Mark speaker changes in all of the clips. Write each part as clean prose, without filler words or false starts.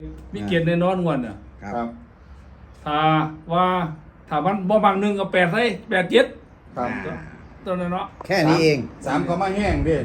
Speaker 1: มีเกียรติในนอนงวนน่ะ
Speaker 2: ครับ
Speaker 1: ถ้าว่าถ้ามันบ่บางหนึ่งก็8ให้8 7
Speaker 2: ครับ
Speaker 1: ตัวนั้นเนาะ
Speaker 3: แค่นี้เอง
Speaker 2: สามก็มาแห้งพี่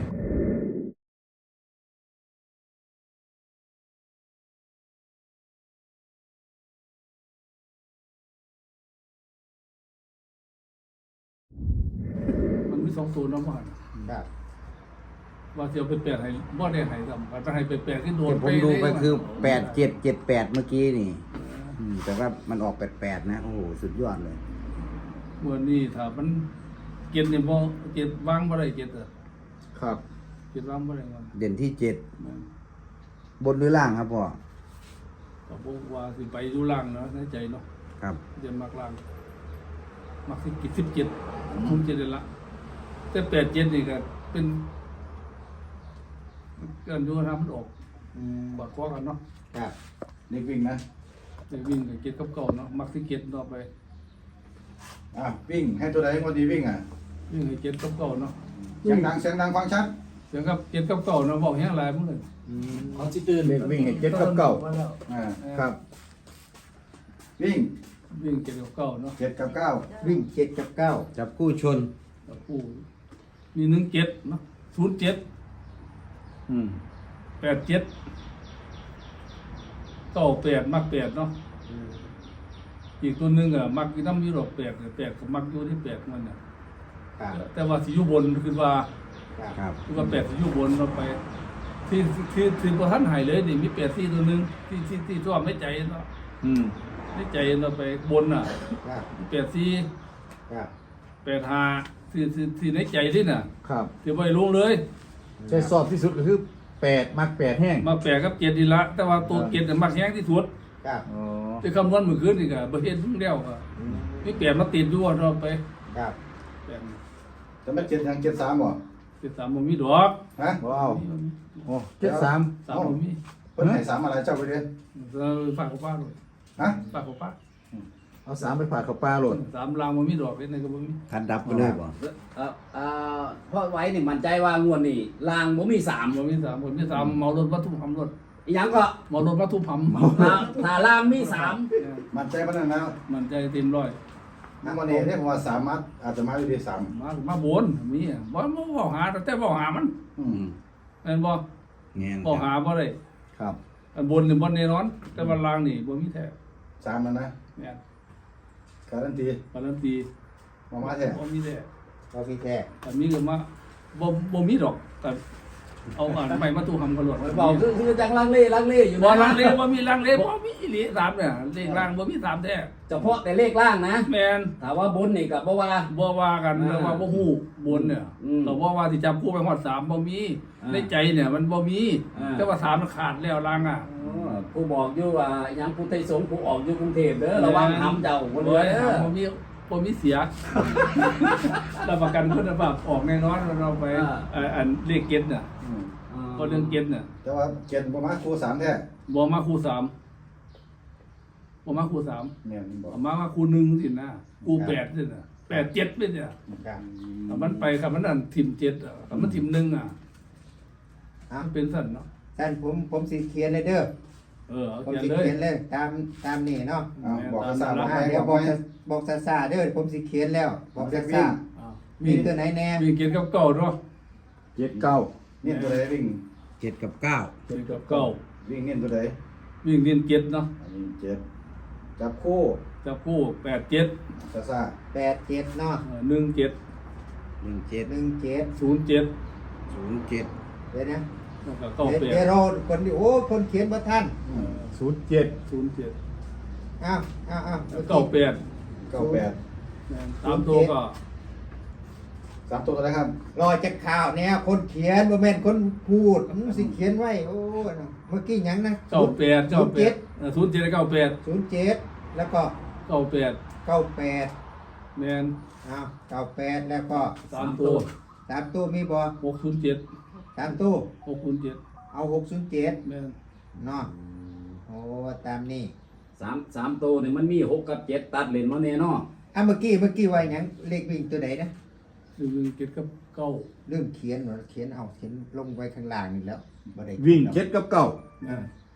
Speaker 1: มันมี2 0เนาะบ่
Speaker 3: ครับ
Speaker 1: ว่าสิเอาไป8ให้บ่ได้ให้ซ้ำถ้าให้ไป8ที่โดน
Speaker 3: ที่ผมดูไปคือ8778เมื่อกี้นี่แต่ว่ามันออก88นะโอ้โหสุดยอดเลย
Speaker 1: เมื่อนี้ถ้ามันเกียรตินี่บ่เกียรติวางบ่ได้เกียรติ
Speaker 2: ครับ
Speaker 1: เกียรติวางบ่ได้มัน
Speaker 3: เด่นที่7บนหรือล่างครับพ่อ
Speaker 1: ก็บ่ว่าสิไปอยู่ล่างเนาะในใจเนาะ
Speaker 3: ครับ
Speaker 1: เดี๋ยวมักล่างมักสิกิ17ผมจะได้ละแต่8 7นี่ก็เป็นการดูทำมันออกบาดคอกันเนาะ
Speaker 3: ครับ
Speaker 2: เด็กวิ่งนะ
Speaker 1: ไปวิ่งกับเก็ดกับเก่าเนาะมักสิเก็ดต่อไป
Speaker 2: วิ่งให้ตัวใดพอดีวิ่ง
Speaker 1: วิ่งให้เก็ดกับเก่าเนาะ
Speaker 2: เสียงดังฟังชัด
Speaker 1: เสียงกับเก็ดกับเก่าเนาะบอกแห้งหลายมื้อเลย
Speaker 4: เขาสิตื่น
Speaker 2: เด็กวิ่งให้เจ็ดกับเก้า
Speaker 1: มาแล้ว
Speaker 2: ครับ วิ่ง
Speaker 1: วิ่งเก็ดกับเก่าเนาะ
Speaker 2: เจ็ดกับเก้า
Speaker 3: วิ่ง7กับ9จับคู่ชน
Speaker 1: แล้วผู้มี1 7เนาะ0 7 8 7 9 8มัก8เนาะอีกตัวหนึงอ่ะมักอีน้ำอยู่ดอก8ก็มักอยู่ที่8มันน่ะ
Speaker 3: ครับ
Speaker 1: แต่ว่าสิอยู่บนคือว่า
Speaker 3: ครับ
Speaker 1: คือว่า8สิอยู่บนเราไปที่บ่ทันหายเลยนี่มี8 4ตัวหนึงที่ชอบในใจเนาะในใจเราไปบนน่ะ
Speaker 3: ครับ
Speaker 1: 8 4
Speaker 3: ครับ
Speaker 1: 8 5ที่ในใจที่น่ะ
Speaker 2: ครับ
Speaker 1: ที่บ่ได้ลงเลย
Speaker 2: ใจสอบที่สุดก็คือ8มัก8แห้ง
Speaker 1: มา8กับ7นี่ละแต่ว่าตัว7น่ะมักแฮงที่สุด
Speaker 3: ครับ
Speaker 2: อ๋อ
Speaker 1: ที่คำนวณมื้อคืนนี่ก็บ่เห็นแล้วก็มี8มาติดอยู่เราไป
Speaker 3: ครับ
Speaker 1: 8
Speaker 2: จะมาเจ็ดยัง73บ่
Speaker 1: 73บ่มีดอก
Speaker 2: ฮะว้าวโอ้73
Speaker 1: 3บ่มี
Speaker 2: เพิ่นให้3อะไรเจ้าไปเด้อ
Speaker 1: ฝากกับป้าด้วย
Speaker 2: ฮะ
Speaker 1: ฝากกับป้า
Speaker 2: เอา3ไปผ่าเข้าปลาโหลด
Speaker 1: 3ลางบ่มีดอกเป็นไงก็บ่มี
Speaker 3: คันดับไปเลยบ่
Speaker 4: เพราะไว้นี่มั่นใจว่างวดนี่ลางบ่มี3
Speaker 1: บ่มี3คนมี3เมารถวัตถุพรรมรถ
Speaker 4: อีหยังก็
Speaker 1: เมารถวัตถุพรรม
Speaker 4: ถ้าลางมี3
Speaker 2: มั่นใจปานนั้นแล้ว
Speaker 1: มันใจเต็มร้อย
Speaker 2: นั่นวันนี้เนี่ยผมว่า3มัดอาจจะมาอยู่ที่3
Speaker 1: มาบนมีอ่ะบ่บ่หาแต่บ่หามัน แม่นบ่
Speaker 3: แง่น
Speaker 1: บ่หาบ่ได้
Speaker 2: ครับ
Speaker 1: อันบนนี่บ่แน่นอน แต่ว่าล่างนี่บ่มีแท้
Speaker 2: 3แล้วนะ
Speaker 1: แม่น
Speaker 2: การันตี
Speaker 1: การันตี
Speaker 2: มาแท้
Speaker 1: บ่มีแท้
Speaker 3: ก็พี่แท้
Speaker 1: แต่มีก็มาบ่มีดอกแต่เอาอ่านใหม่มาตู้ทำกันโลด
Speaker 4: เบาคือจังลังเลอยู่
Speaker 1: บ่
Speaker 4: นะ
Speaker 1: ลังเลบ่มีลังเลบ่มีอีหลี3เนี่ยเลขล่างบ่มี3แท้
Speaker 4: เฉพาะแต่เลขล่างนะ
Speaker 1: แม่น
Speaker 4: ถ้าว่าบนนี่ก็บ่ว่า
Speaker 1: บ่ว่ากันแต่ว่าบ่ฮู้บนเนี่ย
Speaker 4: อืม
Speaker 1: เราบ่ว่าสิจับคู่ไปฮอด3บ่มี
Speaker 4: อ่า
Speaker 1: ในใจเนี่ยมันบ่มี
Speaker 4: อ่า
Speaker 1: แต่ว่า3มันขาดแล้วล่างอ่ะ
Speaker 4: ผู้บอกอยู่ว่าหยังผู้ไทยสงฆ์ผู้ออกอยู่กรุงเทพเด้อระวังทำเจ้าบ่
Speaker 1: บ่
Speaker 4: เด้
Speaker 1: ได้
Speaker 4: อ
Speaker 1: บ่มีบ่มีเสียรับประกันคุณภาพออกแน่นอนเราไปอันเลขเก็ตน่ะก็เรื่องเก็ตน่ะ
Speaker 2: แต่ว่าเจ็ดประมาณครู3แท้
Speaker 1: บ่มาคู่3บ่มาคู่3
Speaker 2: เนี่ยมันบอก
Speaker 1: มาคู่1สินะคู่8สิน่ะ8 7เป็นเนี่ย
Speaker 3: ครับ
Speaker 1: ถ้ามันไปครับมันนั่นทิ่ม7อ่ะถ้ามันทิ่ม1อ่ะมันเป็นสั่นเนาะ
Speaker 3: ท่านผมสิเขียนเลยเด้อ
Speaker 1: เอา
Speaker 3: ผม
Speaker 1: เขียน
Speaker 3: สิ
Speaker 1: เลย
Speaker 3: เขียนเลยตามนี่เนาะ
Speaker 2: บอกภาษา
Speaker 3: เดี๋ยวบอกซาๆเด้อผมสิเขียนแล้วบอกซา
Speaker 1: อ้าว
Speaker 3: ๆมีตัวไหนแน่
Speaker 1: วิ่งเก็ตกับเก่าเนาะ
Speaker 2: 79เนี่ยตัวใดวิ่ง
Speaker 3: 7กับ9
Speaker 1: เก็ตกับเก่า
Speaker 2: วิ่งเนี่ยตัวใด
Speaker 1: วิ่งเรียนเก็ตเนาะ
Speaker 2: อันนี้เจ็ดจับคู่
Speaker 1: จับคู่8 7
Speaker 2: ซ่า
Speaker 3: 87เนาะ
Speaker 1: 1 7
Speaker 3: 17
Speaker 1: 0 7
Speaker 3: เดี๋ยวนะ
Speaker 1: แล้วก็เก่า
Speaker 3: เดี๋ยวเราคนที่โอ้คนเขียนบ่ทัน
Speaker 2: 07
Speaker 1: 0 7
Speaker 3: อ้าว
Speaker 1: เก่า8
Speaker 2: 98
Speaker 1: 3ตัวก็
Speaker 2: 3ตัวอะไรครับ
Speaker 3: รอจากข่าวแนวคนเขียนบ่แม่นคนพูดสิเขียนไว้โอ้เมื่อกี้หยังนะ
Speaker 1: เก่า8 0 7 เก่า8
Speaker 3: 07แล้วก็
Speaker 1: เก่า8
Speaker 3: 98
Speaker 1: แมน
Speaker 3: อ้าว98แล้วก็
Speaker 1: 3ตัว
Speaker 3: 3ตู้มีบ่
Speaker 1: 6 0 7
Speaker 3: 3ตู้
Speaker 1: 6 0 7
Speaker 3: เอา607
Speaker 1: แมน
Speaker 3: เนาะโอ้ตามนี้
Speaker 4: 3ตัวนี่มันมี6กับ7ตัดเลนมาแน่เนาะ
Speaker 3: เมื่อกี้ว่าหยังเลขวิ่งตัวไหนนะ
Speaker 1: วิ่งเก็ตกับเก่า
Speaker 3: เรื่องเขียนลงไว้ข้างล่างนี่แล้วบ่ได้
Speaker 2: วิ่ง7กับ9
Speaker 1: แมน
Speaker 2: ค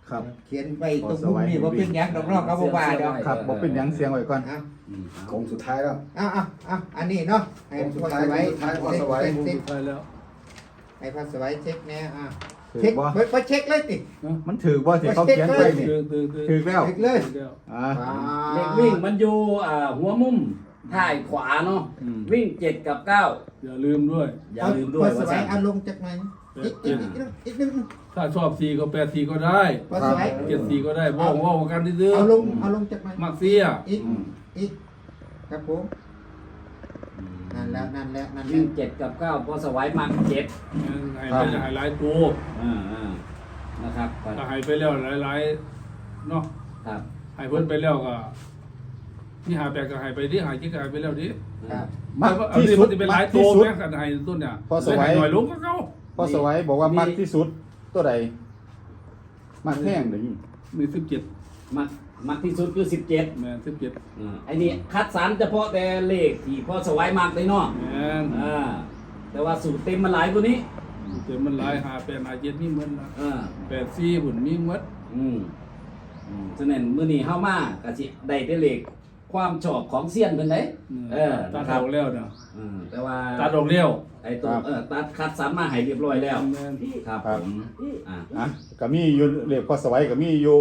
Speaker 2: ครับ
Speaker 3: เขียนไปตรงมุมนี้ว่าเป็นหยังดอกเนอกครับบ่ว่าดอก
Speaker 2: ครับบอกเป็นหยังเสียงไว้ก่อน
Speaker 3: เอา
Speaker 5: โค้งสุดท้ายแล้ว
Speaker 3: เอาอันนี้เนาะให้
Speaker 5: ผมสุด
Speaker 3: พ่อ
Speaker 5: ท้าย
Speaker 3: สวัย
Speaker 5: สุดท้ายพ่อสวัย
Speaker 3: เช็ค
Speaker 1: ไปแล้ว
Speaker 3: ให้พ่อสวัยเช็คแน่
Speaker 2: ถือ
Speaker 3: เช็ค
Speaker 2: บ่
Speaker 3: บ่เช็คเลยติ
Speaker 2: มันถือบ่ที่เขาเขียนไว้นี่
Speaker 1: คือ
Speaker 2: ถือแล้ว
Speaker 3: เช็คเลย
Speaker 2: อ่า
Speaker 4: เลขวิ่งมันอยู่หัวมุมท้ายขวาเนาะวิ่ง7 กับ 9
Speaker 1: อย่าลืมด้วย
Speaker 4: อย่าลืมด้วย
Speaker 3: พ่อส
Speaker 4: ว่า
Speaker 3: วัย
Speaker 4: สั่น
Speaker 3: เอาลงจากไหนอีกนึง
Speaker 1: ถ้าชอบ4ก็8 4ก็ได้
Speaker 3: พ่อสวัย
Speaker 1: 7 4ก็ได้ว่ากันดื้อ
Speaker 3: เอาลงจากไหน
Speaker 1: มักเสีย
Speaker 3: อีกครับผมนั่นแล้ว
Speaker 4: วิ่ง7 กับ 9พอสวัยมัก7
Speaker 1: ให้ไปหลายตัว
Speaker 4: นะครับ
Speaker 1: ถ้าให้ไปแล้วหลายๆเนาะ
Speaker 4: ครับ
Speaker 1: ให้เพิ่นไปแล้วก็ที่หาแปลกก็ให้ไปดิหาจิกก็ให้ไปแล้วดิ
Speaker 3: ครับ
Speaker 2: มักที่สุด
Speaker 1: เป็นห
Speaker 2: มั
Speaker 1: ลาย
Speaker 2: ก
Speaker 1: ตั
Speaker 2: ที่
Speaker 1: ว
Speaker 2: สุด
Speaker 1: แม่กันให้ต้นเนี่ย
Speaker 2: พอสวัย
Speaker 1: หน่อยลงก็เก่า
Speaker 2: พ่อสวัยบอกว่ามักที่สุดตัวใดมักแห้งเด้อ
Speaker 1: มี17
Speaker 4: มักที่สุดคือ17
Speaker 1: แม่น17
Speaker 4: ไอ้นี่คัดสรรเฉพาะแต่เลขที่พอสวัยมักเลยเนาะ
Speaker 1: แม่น
Speaker 4: แต่ว่าสูตรเต็มมันหลายกว่านี้
Speaker 1: เดี๋ยวมันหลายหา8หา7มีหมดละ
Speaker 4: อ่า
Speaker 1: 8 4บุญมีหมด
Speaker 4: ฉะนั้นมื้อนี้เฮามาก็สิได้แต่เลขความชอบของเซียนเพิ่นเด้นะ
Speaker 1: ตัด
Speaker 4: ค
Speaker 1: อ
Speaker 4: รับ
Speaker 1: อกแล้วเนาะ
Speaker 4: แต่ว่า
Speaker 1: ตัดออกแล้ว
Speaker 4: ไอ้ตัวตัดคัดสรรมาให้เรียบร้อยแล้ว
Speaker 1: แม่น
Speaker 4: ครับผมอ่า
Speaker 2: อ่ะก็มีอยู่เลขพ่อสวัยก็มีอยู่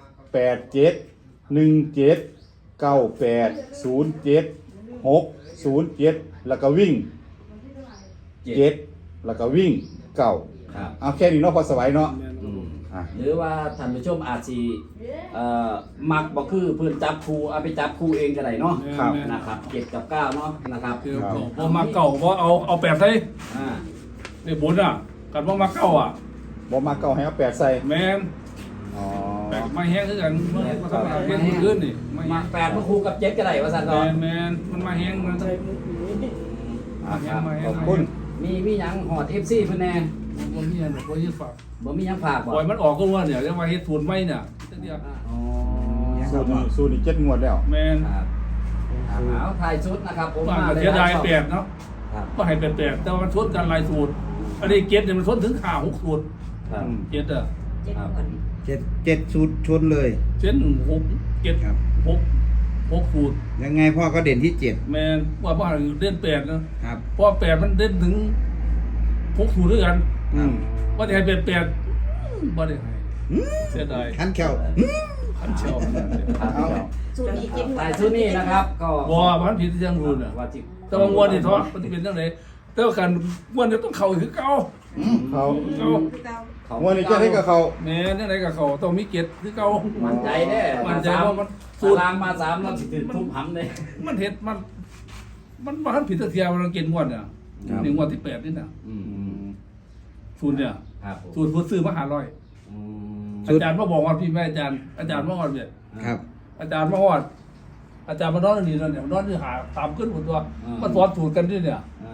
Speaker 2: 87 17 98 07 607แล้วก็วิ่ง 7แล้วก็วิ่ง9
Speaker 4: ครับ
Speaker 2: เอาแค่นี้เนาะพ่อสวัยเนาะ
Speaker 1: แม่น
Speaker 2: อ่ะ
Speaker 4: หรือว่าท่านผู้ชมอาจสิมักบ่คือเพิ่นจับคู่เอาไปจับคู่เองก็ได้เนาะ
Speaker 2: ครับ
Speaker 4: นะครับ7กับ9เนาะนะครับ
Speaker 1: คือพอมาเก่าบ่เอา8ใส่
Speaker 4: อ่า
Speaker 1: นี่บุญอ่ะกันบ่มาเก่าอ่ะ
Speaker 2: บ่มาเก่าให้เอา8ใส่
Speaker 1: แม่น
Speaker 2: อ๋อ
Speaker 1: แปลกมาแห้งคือกันมาทำอะไรเพิ่นขึ้นนี่
Speaker 4: มัก8มาคู่กับ7ก็ได้ว่าซั่น
Speaker 1: แม
Speaker 4: เนาะ
Speaker 1: นแมนมันมาแห้งมัน
Speaker 2: อ่ะขอบคุณ
Speaker 4: มีหยังหอด FC เพิ่นแน่
Speaker 1: บ่มีอันบ่ยึดฝาก
Speaker 4: บ่มีหยังฝากบ่
Speaker 1: ปล่อยมันออกก็ว่าเนี่ยเรียกว่าเฮ็ดทุนไม่เนี่ยเดียว
Speaker 4: อ๋อ
Speaker 2: สูตรนี้7งวดแล้ว
Speaker 1: แมน
Speaker 4: ครับเอาถ่ายชุดนะครับผม
Speaker 1: ว่าเสียดายแปดเนาะ
Speaker 4: ครับ
Speaker 1: ก็ให้แปดแต่ว่ามันชนกันหลายสูตรอันนี้เก็ตเนี่ยมันชนถึง5 6สูตร
Speaker 4: ครับ
Speaker 1: เก็ตอ่ะ
Speaker 4: ครับ
Speaker 3: 7สูตรชนเลย
Speaker 1: เช่น6เก็ต
Speaker 3: ครับ
Speaker 1: 6สูตร
Speaker 3: ยังไงพ่อก็เด่นที่
Speaker 1: แมนว่าเล่น8นะครับ เพราะ8มันเล่นถึง6สูตรด้วยกัน ว่าจะให้เป็น8บ่ได้ให้เสียดาย
Speaker 3: ขันแขว
Speaker 1: ขันเชียว
Speaker 3: เอา
Speaker 6: สูตรนี้เจ็ด
Speaker 4: ถ่ายชุดนี้นะครับ ก็
Speaker 1: บ่มันผิดที่ยังรู้น่ะ
Speaker 4: ว่าจิ
Speaker 1: แต่ว่างวดนี่ท้อมันจะเป็นจังไดแต่ว่าการงวดนี้ต้องเข้าคือเก่า
Speaker 2: เขา
Speaker 1: เก่า
Speaker 2: งวดนี้จะให้กับเขา
Speaker 1: แม่จังไดก็เข้าต้องมีเกียรติคือเก่า
Speaker 4: มั่นใจเด้
Speaker 1: มั่นใจว่ามัน
Speaker 4: สู
Speaker 1: สู
Speaker 4: ต
Speaker 1: ต
Speaker 4: ร
Speaker 1: ร
Speaker 4: ลางมา3เราสิถึงทุบหำเลย
Speaker 1: มันเฮ็ดมันบ่ทันผิดสักเที่ยมันเกณฑ์งวดน่ะนี่งวดที่8นี่น่ะสูตรเนี่ย
Speaker 4: ครับผม
Speaker 1: สูตรผู้ซื้อมา500อาจารย์มาบอกว่าพี่แม่อาจารย์มาฮอดเนี่ย
Speaker 3: ครับ
Speaker 1: อาจารย์มาฮอดอาจารย์มานอนนี่นั่นเนี่ยนอนนี่หาตามขึ้นหมดตัวมาสอนสูตรกันนี่เนี่ย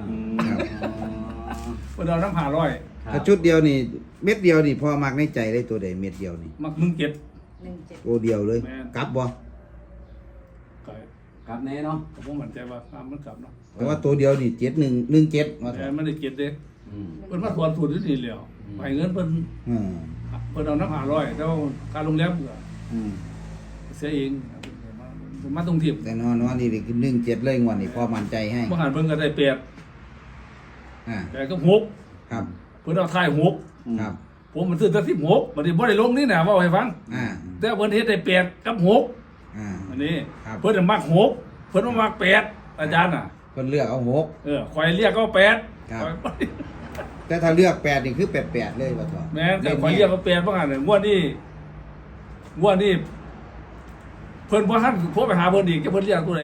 Speaker 1: เพิ่นเอาน้ำ500
Speaker 3: ถ้าชุดเดียวนี่ เม็ดเดียวนี่พ่อมักในใจได้ตัวใดเม็ดเดียวนี่
Speaker 1: มักมึงเก็บ
Speaker 3: โอเดียวเลย
Speaker 1: แม่น
Speaker 3: กลับบ่
Speaker 1: ไก่
Speaker 4: ครับแน่เนาะ
Speaker 1: ผมมั่นใจว่ามันกลับเนาะ
Speaker 3: แต่ว่าตัวเดียวนี่7117ว่า
Speaker 1: แต่ไม่ได้เก็บเด้เพิ่นมาสอนสูตรนี่แล้วให้เงินเพิ่น
Speaker 3: อืม
Speaker 1: เอาน้ำ500แต่ว่าการโรงแรมก็
Speaker 3: อืม
Speaker 1: เสียเองมาตรงทิพย์
Speaker 3: แต่นอนนี่คือ17เลยงวดนี่พ่อมั่นใจให้
Speaker 1: บ่หันเพิ่นก็ได้8
Speaker 3: อ่า
Speaker 1: แต่ก็6
Speaker 3: ครับ
Speaker 1: เพิ่นเอาท้าย
Speaker 3: ครับ
Speaker 1: 6ผมมันซื้อแต่16บัดนี้บ่ได้ลงนี่น่ะเว้าให้ฟัง
Speaker 3: อ่า
Speaker 1: แต่เพิ่นเฮ็ดได้8กับ6
Speaker 3: อ่า
Speaker 1: อันนี้
Speaker 3: ครับ
Speaker 1: เพิ่นน่ะมัก6เพิ่นบ่มัก8อาจารย์น่ะ
Speaker 3: เพิ่นเลือกเอา6
Speaker 1: ข่อยเรียกก็8
Speaker 3: ครับ
Speaker 1: ข่อย
Speaker 3: แต่ถ้าเลือก8นี่คือ88เลยว่าตัว
Speaker 1: แม่นแต่ข่อยเรียกก็8ว่างั้นน่ะงวดนี้เพิ่นบ่ทันโทรไปหาเพิ่นอีกจะเพิ่นเรียกตัวไหน